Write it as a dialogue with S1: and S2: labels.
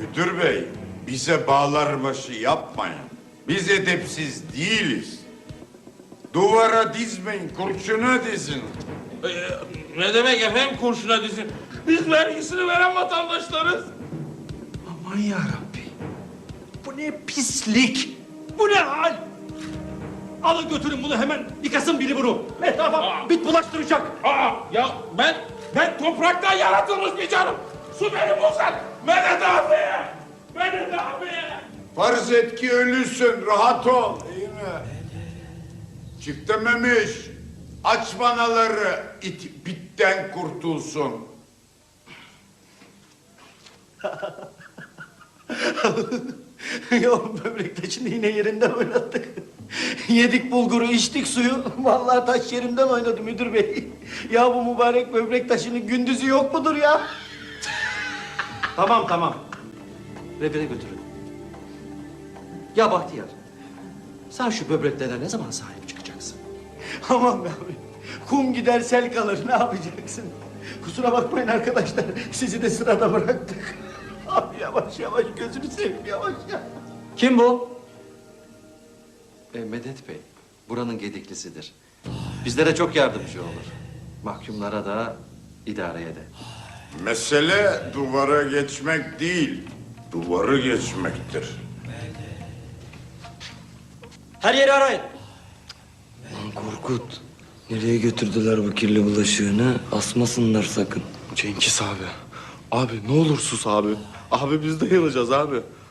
S1: Müdür bey, bize bağlarbaşı yapmayın. Biz edepsiz değiliz. Duvara dizmeyin, kurşuna dizin.
S2: Ne demek efendim kurşuna dizin? Biz vergisini veren vatandaşlarız.
S3: Aman yarabbi. Bu ne pislik. Bu ne hal? Alın götürün bunu hemen. Yıkasın biri bunu. Etrafa bit bulaştıracak.
S2: Ya ben topraktan yaratılmış bir canım. Su beni bulsan. Medet abi. Medet abi.
S1: Farz et ki ölüsün, rahat ol. İyi mi? Çiftememiş. Aç banaları, it bitten kurtulsun.
S3: Ya böbrek taşını yine yerinden oynattık. Yedik bulguru, içtik suyu. Vallahi taş yerimden oynadı müdür bey. Ya bu mübarek böbrek taşının gündüzü yok mudur ya? Tamam. Revire götürün. Ya Bahtiyar, sen şu böbreklere ne zaman sahip çıkacaksın? Aman be abi, kum gider sel kalır, ne yapacaksın? Kusura bakmayın arkadaşlar, sizi de sırada bıraktık. Abi yavaş gözünü seveyim yavaş.
S4: Kim bu? Medet Bey, buranın gediklisidir. Bizlere çok yardımcı olur. Mahkumlara da, idareye de.
S1: Mesele duvara geçmek değil, duvarı geçmektir.
S3: Her yeri arayın.
S5: Korkut, nereye götürdüler bu kirli bulaşığını? Asmasınlar sakın.
S6: Cengiz abi. Abi ne olur sus abi. Abi biz de yanacağız abi.